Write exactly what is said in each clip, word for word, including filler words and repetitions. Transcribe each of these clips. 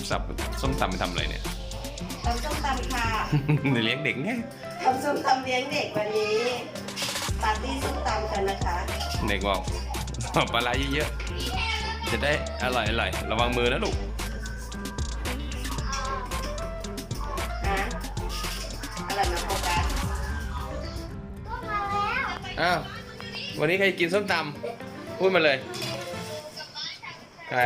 สับส้มตำไปทำอะไรเนี่ยทำส้มตำค่ะเลี้ยงเด็กไงทำส้มตำเลี้ยงเด็กวันนี้ปาร์ตี้ส้มตำกันนะคะเด็กบอกปลาไหลเยอะๆจะได้อร่อยอร่อยระวังมือนะลูกฮะอะไรนะโฟกัสอ้าววันนี้ใครกินส้มตำพูดมาเลยใคร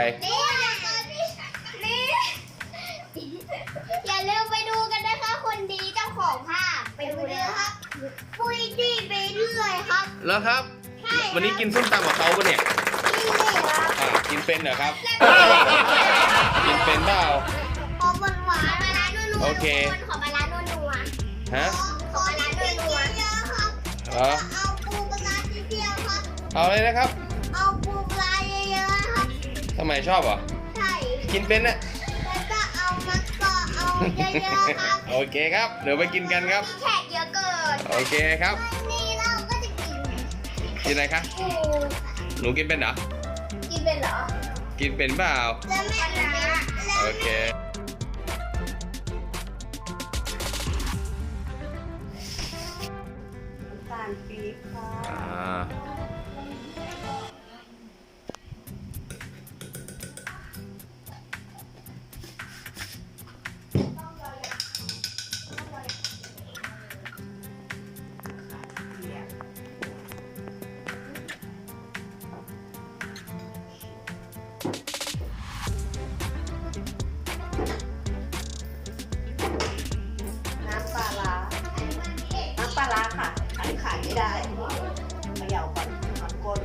อย่าลืมไปดูกันนะคะคนดีเจ้าของภาพไปดูเลยครับปุ้ยดีไปเรื่อยครับแล้วครับใช่วันนี้กินส้มตำกับเขาปะเนี่ยนี่เลยครับอ่ะกินเป็นเหรอครับ กินเป็นเปล่าขอหวานหวานมาร้านนัวๆโอเคขอมาร้านนัวฮะๆขอร้านนัวๆเยอะครับเหรอเอาปูปลาเยอะๆครับเอาเลยนะครับเอาปูปลาเยอะๆครับทำไมชอบเหรอใช่กินเป็นนะแล้วก็เอามันก็เอาเยอะๆครับโอเคครับเดี๋ยวไปกินกันครับมีแขกเยอะเกินโอเคครับวันนี้เราก็จะกินกินอะไรคะปูหนูกินเป็นเหรอกินเป็นเหรอกินเป็นเปล่าแล้วแม่นะโอเคน้ำตาลปี๊บค่ะอ่าน้ำปลาร้าน้ำปลาร้าค่ะอันนี้ขายไม่ได้เขย่าก่อนขอบก้น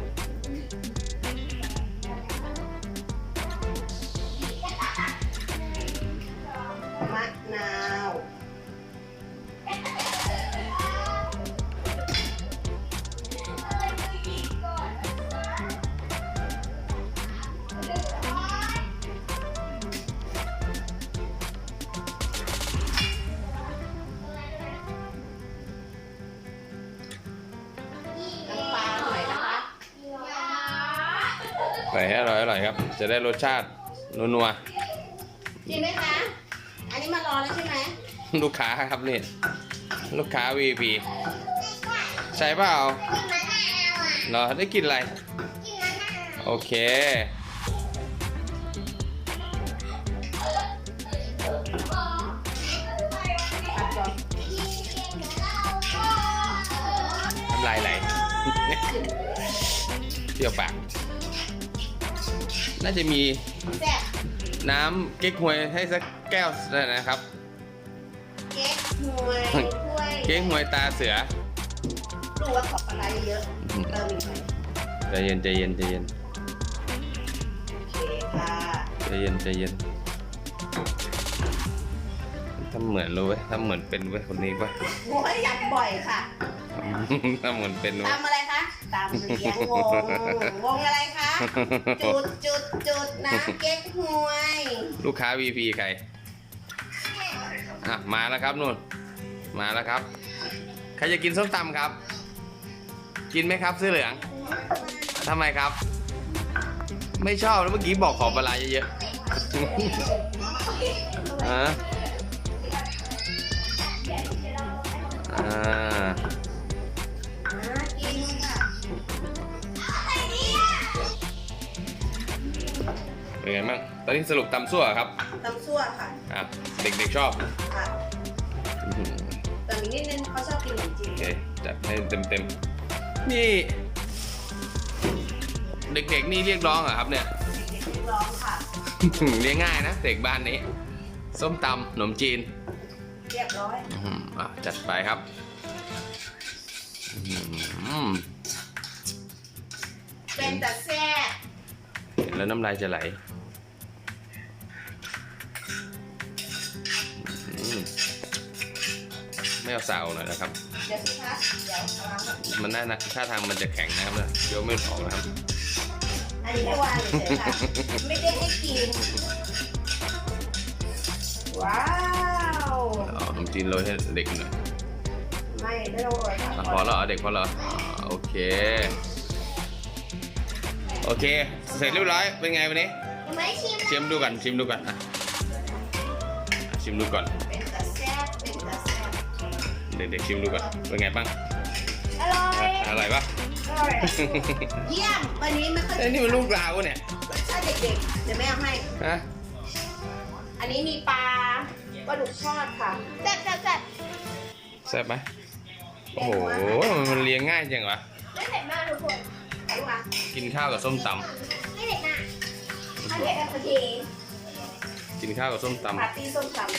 มะนาว น้ำปลาหน่อยนะคะใส่ให้อร่อยอร่อยครับ จะได้รสชาตินัวกินไหมคะ อันนี้มารอแล้วใช่ไหมๆลูกค้าครับนี่ลูกค้า วี พี ใช่เปล่ากินมะนาวอ่ะเหรอได้กินอะไรกินมะนาวโอเคผัดก่อนน้ำลายไหล เปรี้ยวปาก น่าจะมีแซ่บน้ำเก๊กฮวยให้สักแก้วนะครับเก๊กฮวยถ้วยเก๊กฮวยตาเสือดูว่าขอบอะไรเยอะเติมอีกหน่อยใจเย็นใจเย็นใจเย็นโอเคค่ะใจเย็นใจเย็นทำเหมือนรู้ไว้ยทำเหมือนเป็นไว้ยคนนี้ป่ะโอ้ยอยากบ่อยค่ะทำเหมือนเป็นไว้ยตำอะไรคะตำเลี้ยงวง วงอะไรคะ จุดจุดจุดน้ำเก๊กฮวยลูกค้า วี พี ใคร อ่ะ มาแล้วครับนู่น มาแล้วครับ ใครจะกินส้มตำครับ กินไหมครับเสื้อเหลืองทำไมครับ ไม่ชอบแล้วเมื่อกี้บอกขอปลาร้าเยอะๆอ่ะอ่าน่ากินค่ะเป็นไงบ้างตอนนี้สรุปตำซั่วครับตำซั่วค่ะอ่ะ เด็กๆชอบค่ะอื้อหือแต่มีนิดนึงเขาชอบกินขนมจีนโอเคจัดให้เต็มๆนี่ เด็กๆนี่เรียกร้องเหรอครับเนี่ยเด็กๆร้องค่ะเรียกง่ายนะเด็กบ้านนี้ ส้มตำขนมจีนเรียบร้อยอื้อหืออ่ะจัดไปครับอื้อหือเป็นแต่แซ่บเห็นแล้วน้ำลายจะไหลอื้อไม่เอาสาวหน่อยนะครับเดี๋ยวสิคะเดี๋ยวเอาวางก่อนมันน่านะท่าทางมันจะแข็งนะครับเนี่ยเดี๋ยวไม่ออกนะครับอันนี้ให้วางเฉยๆค่ะ ไม่ได้ให้กิน ว้าวเอาขนมจีนโรยให้เด็กหน่อยไม่ไม่ต้องโรยค่ะอ่ะพอแล้วเหรอเด็กพอแล้วเหรออ่าโอเค โอเค เสร็จเรียบร้อย เป็นไงวันนี้ยังไม่ชิมชิมดูก่อนชิมดูก่อนอ่ะชิมดูก่อนเป็นตาแซ่บเป็นตาแซ่บเด็กๆชิมดูก่อนเป็นไงบ้างอร่อยอร่อยปะอร่อยเยี่ยมวันนี้ไม่ค่อยเอ้ยนี่มันลูกลาวเนี่ยใช่เด็กๆเดี๋ยวแม่เอาให้ฮะอันนี้มีปลาปลาดุกทอดค่ะแซ่บแซ่บแซ่บแซ่บไหมโอ้โหมันเลี้ยงง่ายจังวะไม่เผ็ดมากทุกคนไอ้วะกินข้าวกับส้มตไม่เผ็ดมากถ้าเผ็ดแบบพอดีำกินข้าวกับส้มตปาร์ตี้ส้มตำ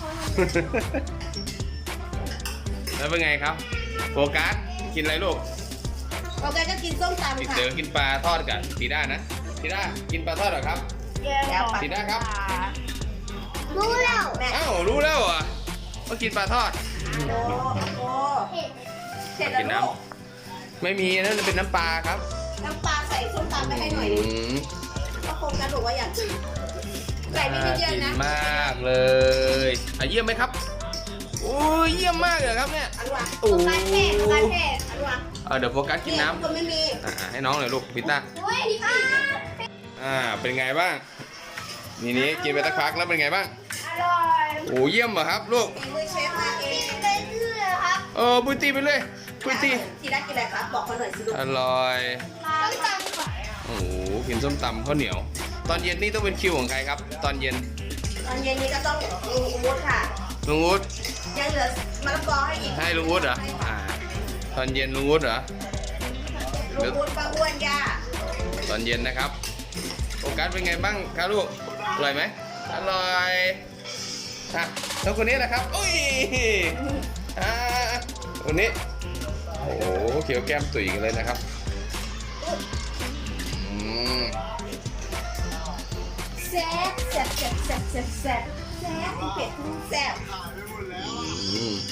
แล้วเป็นไงครับโฟกัสกินอะไรลูกำเราก็กินส้มตำค่ะเดี๋ยวกินปลาทอดกันทีด้านะทีด้ากินปลาทอดเหรอครับแล้วปลาสีหน้าครับรู้แล้วแม่อ้าวรู้แล้วเหรอ่ะว่ากินปลาทอดโอ้โหเผ็ดเสร็จแล้วกินน้ลูกำไม่มีนั่นเป็นน้ำปลาครับน้ำปลาใส่ส้มตำไปให้หน่อยอืนึงมก็คงจะบอกว่าอยากกินใส่ไม่น่าเยอะกินๆนะมากเลยอ่ะเยี่ยมไหมครับโอ้ยเยี่ยมมากเลยครับเนี่ยอันวะโอ้ปลาเผ็ดปลาเผ็ดอันวะเอาเดี๋ยวโฟกัสกินน้คนไม่มีำอ่ะให้น้องหน่อยลูกพิต้าเฮ้ยดีมากอ่าเป็นไงบ้างนี่นี้กินไปสักพักแล้วเป็นไงบ้างอร่อยโอ้เยี่ยมเหรอครับลูกมีมือเชฟมาเองไปเรื่อยครับเออปุ้ยตีไปเลยปุ้ยตีทีแรกกินอะไรครับ บอกเขาหน่อยสิลูกอร่อยต้องจำก่อนโอ้โหกินส้มตำข้าวเหนียว ตอนเย็นนี่ต้องเป็นคิวของใครครับ ตอนเย็นตอนเย็นนี้ก็ต้องลุงอู๊ดค่ะลุงวุฒิยังเหลือมะละกอให้อีกให้ลุงวุฒิเหรออ่าตอนเย็นลุงวุฒิเหรอลุงอู๊ดป้าอ้วนย่าตอนเย็นนะครับโฟกัสเป็นไงบ้างครับลูกอร่อยไหมอร่อยอ่ะแล้วคนนี้แหละครับอุ้ยอ่าคนนี้โอ้โหเขียวแก้มตุ๋ยกันเลยนะครับอืมแซ่บแซ่บแซ่บแซ่บแซ่บแซ่บแซ่บเผ็ดแซ่บอืม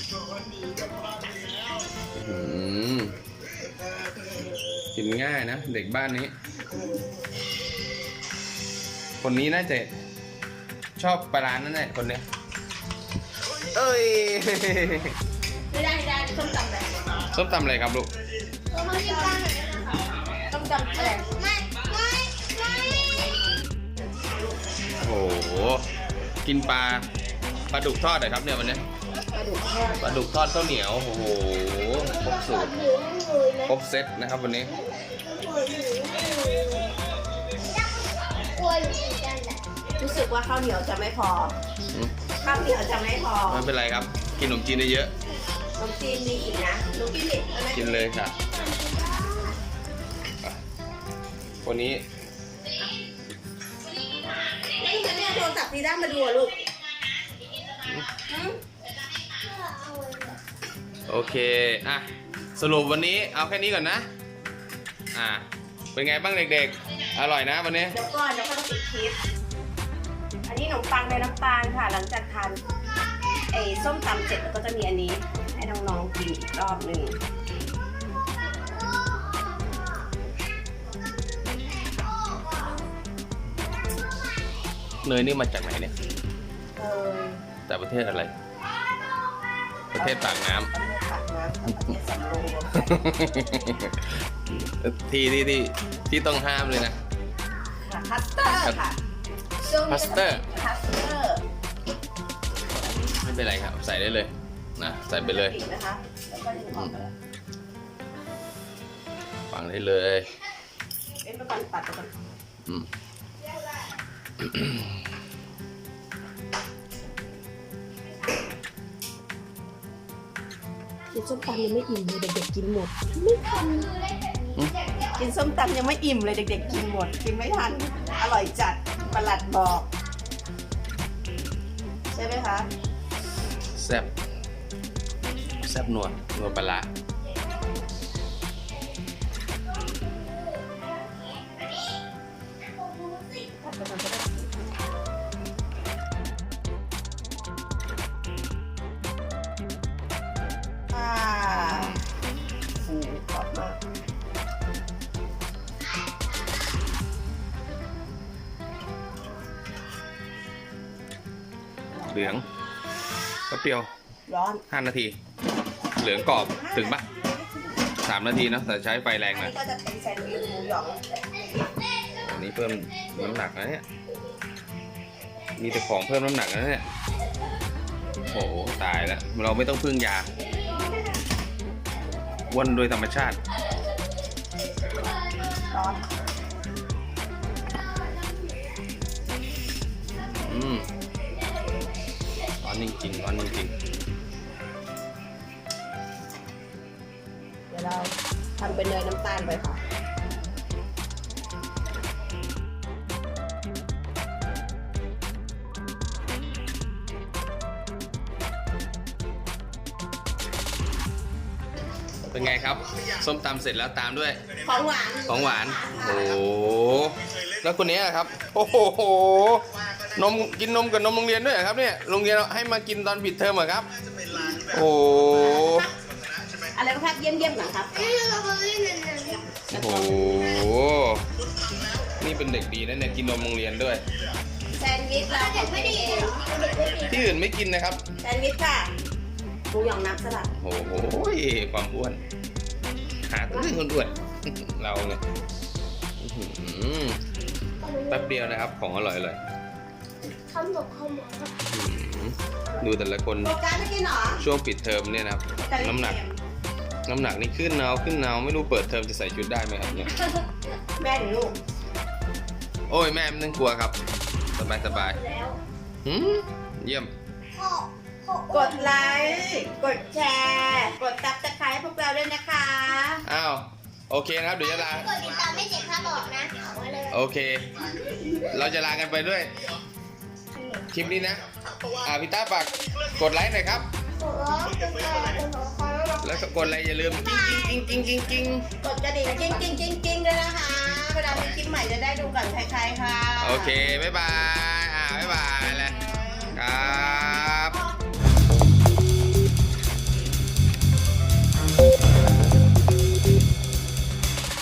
อืมกินง่ายนะเด็กบ้านนี้ คนนี้น่าจะชอบปลาร้านั่นแหละคนเนี้ยเอ้ยไม่ได้ไม่ได้ส้มตำอะไรส้มตำอะไรครับลูกเรามากินกันหน่อยนะคะส้มตำอะไรไม่ไม่ไม่โอ้โหกินปลาปลาดุกทอดเหรอครับเนี่ยวันนี้ปลาดุกทอดปลาดุกทอดข้าวเหนียวโอ้โหครบสูตรหรือหรือไหมครบเซตนะครับวันนี้กลัวอยู่เหมือนกันแหละรู้สึกว่าข้าวเหนียวจะไม่พออืมข้าวเหนียวจะไม่พอไม่เป็นไรครับ กินขนมจีนได้เยอะขนมจีนมีอีกนะหนูกินดิเอาไหมกินเลยค่ะอ่ะคนนี้นี่ฉันเนี่ยโทรศัพท์ดีด้ามาดูอะลูกหืมโอเคอ่ะสรุปวันนี้เอาแค่นี้ก่อนนะอ่ะเป็นไงบ้างเด็กๆ อร่อยนะวันนี้เดี๋ยวก่อนเดี๋ยวก็ต้องปิดคลิป อันนี้ขนมปังในน้ำตาลค่ะ หลังจากทานไอ้ส้มตำเสร็จแล้วก็จะมีอันนี้ ให้น้องๆกินอีกรอบหนึ่งเนยนี่มาจากไหนเนี่ยเออจากประเทศอะไร ประเทศปากน้ำประเทศปากน้ำประเทศสำโรงที่ที่ที่ที่ต้องห้ามเลยนะค่ะคัสเตอร์ค่ะช่วงนี้คัสเตอร์คัสเตอร์ไม่เป็นไรครับ ใส่ได้เลยนะใส่ไปเลยปิดนะคะ แล้วก็ดึงออกไปแล้วฝังได้เลยเป็นประกันตัดไปก่อนอืมกินส้มตำยังไม่อิ่มเลยเด็กๆกินหมด ไม่ทัน กินส้มตำยังไม่อิ่มเลยเด็กๆกินหมด กินไม่ทัน อร่อยจัดประหลัดบอก ใช่ไหมคะแซ่บแซ่บนัวนัวปลาร้าตัดไปก่อนก็ได้อ่าฟูกรอบมากเหลืองก็เปรี้ยวร้อนห้านาที เหลืองกรอบถึงปะสามนาทีเนอะแต่ใช้ไฟแรงอันหน่อยนี้ก็จะเป็นแซนด์วิชหมูหยองอันนี้เพิ่มน้ำหนักนะเนี่ยมีแต่ของเพิ่มน้ำหนักนะเนี่ยโอ้โหตายแล้วเราไม่ต้องพึ่งยาอ้วนโดยธรรมชาติร้อนอืมร้อนจริงๆร้อนจริงเดี๋ยวเราทำเป็นเนยน้ำตาลไปค่ะๆเป็นไงครับ ส้มตำเสร็จแล้วตามด้วยของหวานของหวาน โอ้โห แล้วคนนี้อะครับ โอ้โห นมกินนมกับนมโรงเรียนด้วยเหรอครับเนี่ย โรงเรียนให้มากินตอนปิดเทอมเหรอครับ โอ้โหอะไรนะครับเยี่ยมเยี่ยมๆหน่อยครับนี่เราก็เล่นนั่นนั่นโอ้โห นี่เป็นเด็กดีนะเนี่ยกินนมโรงเรียนด้วยแซนด์วิชเราเด็กไม่ดีเองที่อื่นไม่กินนะครับแซนด์วิชค่ะหมูหยองน้ำสลัดโอ้โห ความอ้วน หาตัวเรื่องคนอ้วน เราเนี่ยอื้อหือแป๊บเดียวนะครับ ของอร่อยเลยคำบอกคำบอกครับดูแต่ละคนโฟกัสไม่กินเหรอช่วงปิดเทอมเนี่ยนะครับ น้ำหนัก น้ำหนักนี่ขึ้นเนาขึ้นเนาไม่รู้เปิดเทอมจะใส่ชุดได้ไหมครับเนี่ยแม่หรือลูกโอ้ยแม่ไม่ต้องกลัวครับ สบายสบายแล้วหืมเยี่ยมพ่อพ่อกดไลค์กดแชร์กดซับสไครต์ให้พวกเราด้วยนะคะอ้าว โอเคนะครับ เดี๋ยวจะลากดติดตามไม่เจ็บค่าบอกนะเอาไว้เลยโอเค เราจะลากันไปด้วย คลิปนี้นะ อ่าพี่ต้าฝากกดไลค์หน่อยครับกดร้องกดแชร์กดหัวคอยแล้วแล้วก็กดอะไรอย่าลืมกิ้งกิ้งกิ้งกิ้งกิ้งกดกระดิ่งกิ้งกิ้งกิ้งกิ้งด้วยนะคะเวลามีคลิปใหม่จะได้ดูก่อนใครๆค่ะโอเค บ๊ายบาย